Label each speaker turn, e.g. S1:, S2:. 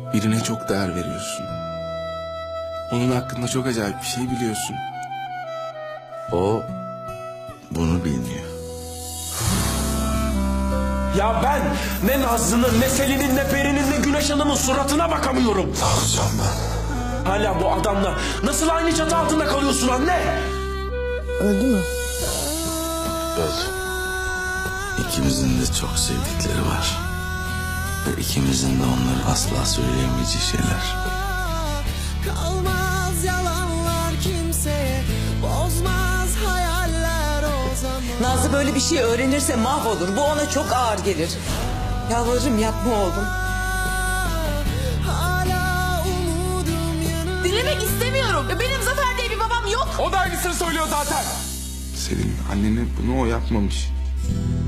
S1: Birine çok değer veriyorsun. Onun hakkında çok acayip bir şey biliyorsun.
S2: O bunu bilmiyor.
S3: Ya ben ne Nazlı'nın, ne Selin'in, ne Peri'nin, ne Güneş Hanım'ın suratına bakamıyorum.
S2: Ne yapacağım ben?
S3: Hala bu adamla nasıl aynı çatı altında kalıyorsun anne?
S4: Öldü mü?
S2: Öldü. İkimizin de çok sevdikleri var. Ve ikimizin de onları asla söyleyemeyeceği şeyler.
S5: Kalmaz yalanlar kimseye, bozmaz hayaller o zaman.
S4: Nazlı böyle bir şey öğrenirse mahvolur. Bu ona çok ağır gelir. Yalvarırım yapma oğlum.
S5: Hala umudum yanında.
S6: Dinlemek istemiyorum. Benim Zafer diye bir babam yok.
S3: O da aynısını söylüyor zaten.
S1: Selin annene bunu o yapmamış.